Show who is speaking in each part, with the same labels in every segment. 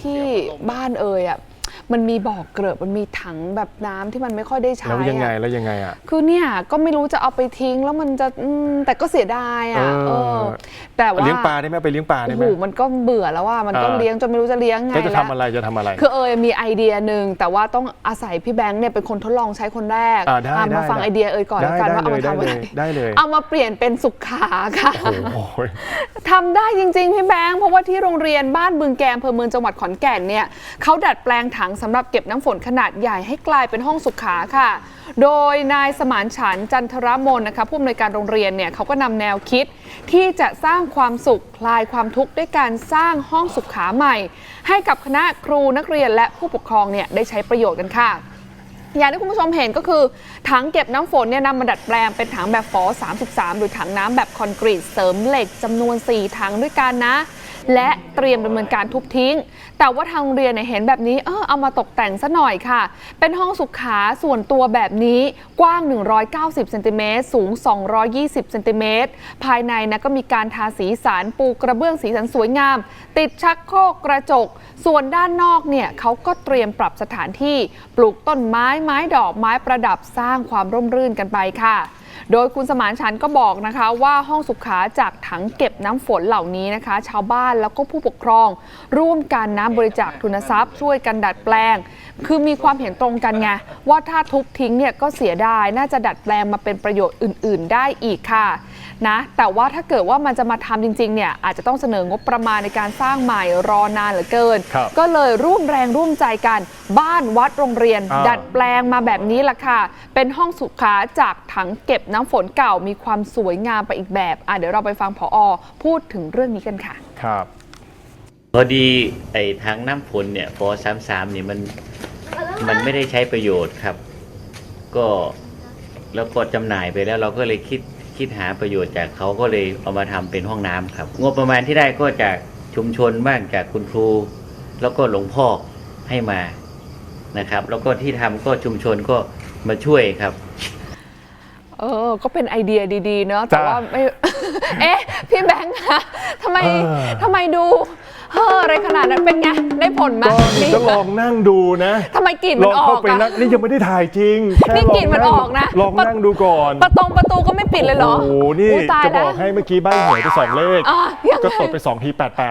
Speaker 1: ที่บ้านอ่ะมันมีบ่อเกลอะมันมีถังแบบน้ำที่มันไม่ค่อยได้ใช้
Speaker 2: แล้วยังไงอ่ะ
Speaker 1: คือเนี่ยก็ไม่รู้จะเอาไปทิ้งแล้วมันจะแต่ก็เสียดายอ่ะแต่ว่า
Speaker 2: เลี้ยงปลาได้ไหมไปเลี้ยงปลาได้ไหม
Speaker 1: มันก็เบื่อแล้วว่ามันก็เลี้ยงจนไม่รู้จะเลี้ยงไง
Speaker 2: แล้วจะทำอะไรคือ
Speaker 1: มีไอเดียหนึ่งแต่ว่าต้องอาศัยพี่แบงค์เนี่ยเป็นคนทดลองใช้คนแรกมาฟังไอเดียก่อนแล้วกันว่าเอามาทำอะไร
Speaker 2: ได้เลย
Speaker 1: เอามาเปลี่ยนเป็นสุขาค่ะทำได้จริงๆพี่แบงค์เพราะว่าที่โรงเรียนบ้านบึงแกมอำเภอเมืองจังหวัดขอนแก่นเนี่ยเขาดัดแปลงถังสำหรับเก็บน้ำฝนขนาดใหญ่ให้กลายเป็นห้องสุขาค่ะโดยนายสมานฉันท์จันทรมนนะคะผู้อำนวยการโรงเรียนเนี่ยเขาก็นำแนวคิดที่จะสร้างความสุขคลายความทุกข์ด้วยการสร้างห้องสุขาใหม่ให้กับคณะครูนักเรียนและผู้ปกครองเนี่ยได้ใช้ประโยชน์กันค่ะอย่างที่คุณผู้ชมเห็นก็คือถังเก็บน้ำฝนเนี่ยนำมาดัดแปลงเป็นถังแบบฝอ33หรือถังน้ำแบบคอนกรีตเสริมเหล็กจำนวน4ถังด้วยกันนะและเตรียมดำเนินการทุบทิ้งแต่ว่าทางโรงเรียนเห็นแบบนี้เอามาตกแต่งซะหน่อยค่ะเป็นห้องสุขาส่วนตัวแบบนี้กว้าง190เซนติเมตรสูง220เซนติเมตรภายในนะก็มีการทาสีสันปูกระเบื้องสีสันสวยงามติดชักโครกกระจกส่วนด้านนอกเนี่ยเขาก็เตรียมปรับสถานที่ปลูกต้นไม้ดอกไม้ประดับสร้างความร่มรื่นกันไปค่ะโดยคุณสมานฉันท์ก็บอกนะคะว่าห้องสุขาจากถังเก็บน้ำฝนเหล่านี้นะคะชาวบ้านแล้วก็ผู้ปกครองร่วมกันนะบริจาคทุนทรัพย์ช่วยกันดัดแปลงคือมีความเห็นตรงกันไงว่าถ้าทุบทิ้งเนี่ยก็เสียดายน่าจะดัดแปลงมาเป็นประโยชน์อื่นๆได้อีกค่ะนะแต่ว่าถ้าเกิดว่ามันจะมาทำจริงๆเนี่ยอาจจะต้องเสนองบประมาณในการสร้างใหม่รอนานเหลือเกินก็เลยร่วมแรงร่วมใจกันบ้านวัดโรงเรียนดัดแปลงมาแบบนี้ล่ะค่ะเป็นห้องสุขาจากถังเก็บน้ำฝนเก่ามีความสวยงามไปอีกแบบเดี๋ยวเราไปฟังผอ.พูดถึงเรื่องนี้กันค่ะ
Speaker 2: ครับ
Speaker 3: พอดีไอ้ถังน้ำฝนเนี่ยฟอ33นี่มันไม่ได้ใช้ประโยชน์ครับก็แล้วก็จำหน่ายไปแล้วเราก็เลยคิดหาประโยชน์จากเขาก็เลยเอามาทำเป็นห้องน้ำครับงบประมาณที่ได้ก็จากชุมชนบ้างจากคุณครูแล้วก็หลวงพ่อให้มานะครับแล้วก็ที่ทำก็ชุมชนก็มาช่วยครับ
Speaker 1: ก็เป็นไอเดียดีๆเนาะแต่ว่าไม่ พี่แบงค์คะทำไมดูอะไรขนาดนั้นเป็นไงได้ผลไหม
Speaker 2: ก็ลองนั่งดูนะ
Speaker 1: ทำไมกลิ่นมันออก
Speaker 2: อ่ะนี่ยังไม่ได้ถ่ายจริง
Speaker 1: นี่กลิ่นมันออกนะ
Speaker 2: ลองนั่งดูก่อน
Speaker 1: ประตูก็ไม่ปิดเลยเหรอ
Speaker 2: โอ้โหนี่จะบอกให้เมื่อกี้ใบ้หวยไป2 เลขก็ตดไป2 ที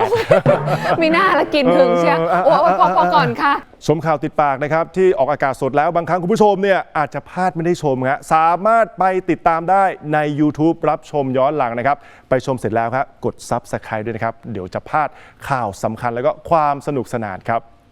Speaker 2: 88
Speaker 1: มีหน้าละกินถึงเชียวพอก่อนค่ะ
Speaker 2: ชมข่าวติดปากนะครับที่ออกอากาศสดแล้วบางครั้งคุณผู้ชมเนี่ยอาจจะพลาดไม่ได้ชมครับสามารถไปติดตามได้ใน YouTube รับชมย้อนหลังนะครับไปชมเสร็จแล้วครับกด Subscribe ด้วยนะครับเดี๋ยวจะพลาดข่าวสำคัญแล้วก็ความสนุกสนานครับ